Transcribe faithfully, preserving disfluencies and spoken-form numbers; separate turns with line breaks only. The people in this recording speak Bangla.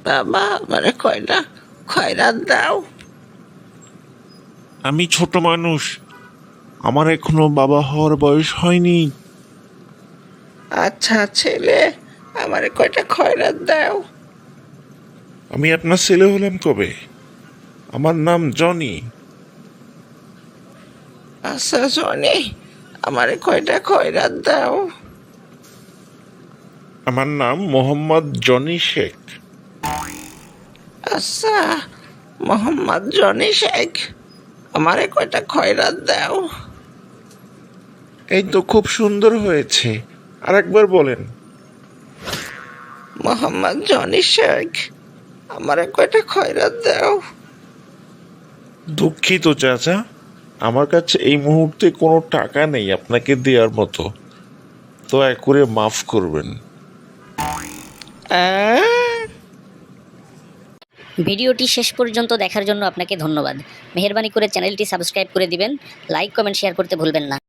বাবা আমারে কয়টা খয়রাত দাও।
আমি ছোট মানুষ, আমার এখনো বাবা হওয়ার বয়স হয়নি।
আচ্ছা ছেলে, আমারে কয়টা খয়রাত দাও।
আমি আপনার ছেলে হলাম কবে? আমার নাম জনি।
আচ্ছা জনি, আমারে কয়টা খয়রাত দাও।
আমার নাম মোহাম্মদ জনি শেখ।
আচ্ছা মোহাম্মদ জনি শেখ, আমারে কয়টা খয়রাত দাও।
এই তো খুব সুন্দর হয়েছে, আর একবার বলেন।
মোহাম্মদ জনি শেখ, আমারে কয়টা খয়রাত দাও।
দুঃখিত চাচা, আমার কাছে এই মুহূর্তে কোনো টাকা নেই আপনাকে দেওয়ার মতো, দয়া করে মাফ করবেন।
আহ,
ভিডিওটি শেষ পর্যন্ত দেখার জন্য আপনাকে ধন্যবাদ। মেহেরবানি করে চ্যানেলটি সাবস্ক্রাইব করে দিবেন। লাইক কমেন্ট শেয়ার করতে ভুলবেন না।